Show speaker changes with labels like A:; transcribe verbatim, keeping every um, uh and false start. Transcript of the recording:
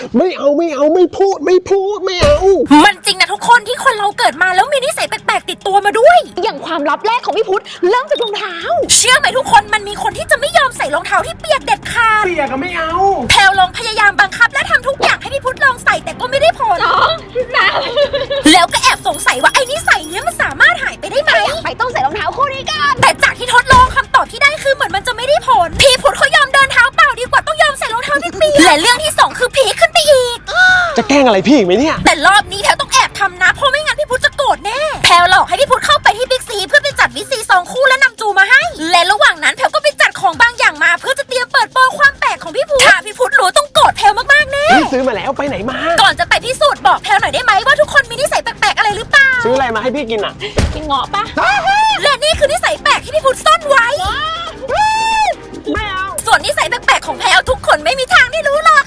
A: ไม่เอาไม่เอาไม่พูดไม่พูดไม่เอา
B: มันจริงนะทุกคนที่คนเราเกิดมาแล้วมีนิสัยแปลกๆติดตัวมาด้วย
C: อย่างความลับแรกของพี่พุทธเริ่มจากรองเท้า
B: เชื่อไหมทุกคนมันมีคนที่จะไม่ยอมใส่รองเท้าที่เปียกเด็ดขาด
A: เปียกก็ไม่เอา
B: แพลวลองพยายามบังคับและทำทุกอย่างให้พี่พุทธลองใส่แต่ก็ไม่ได้ผล
C: น้องนะ
B: แล้วก็แอบสงสัยว่าไอ้นิสัยเนี้ยมันสามารถหายไปได้ไหม
C: ไปต้องใส่รองเท้าคู่นี้กัน
B: แต่จากที่ทดลองคำตอบที่ได้คือเหมือนมันจะไม่ได้ผลพี่พุทธเขายอมเดินเท้าเปล่าดีกว่าต้องยอมใส่รองเท้าที่เปียกและเรื่องที่สองคือพีคขึ้นไปอีก
A: จะแกล้งอะไรพี่อีกไหมเนี่ย
B: แต่รอบนี้แพลวต้องแอบทำนะเพราะไม่งั้นพี่พุทธจะโกรธแน่แพลวหลอกให้พี่พุทธเข้าไปที่บิ๊กซีเพื่อไปจัดวิซีซองคู่และนำจูมาให้และระหว่างนั้นแพลวก็ไปจัดของบางอย่างมาเพื่อจะเตรียมเปิดโปงความแปลกของพี่พุทธถ้าพี่พุทธรู้ต้องโกรธแพลวมากๆแน่
A: ซื้อมาแล้วไปไหนมา
B: ก่อนจะไปพิสูจน์บอกแพลวหน่อยได้ไหมว่าทุกคนมีนิสัยแปลกๆอะไรหรือเปล่า
A: ซื้ออะไรมาให้พี่กินอ่ะ
C: กินเงาะปะ
B: และนี่คือนิสัยแปลกที่พี่พุทธซ่อนไว้
A: ไม่เอา
B: ส่วนนิสัยแปลกๆของแพลวทุกคนไม่มีทางได้รู้หรอก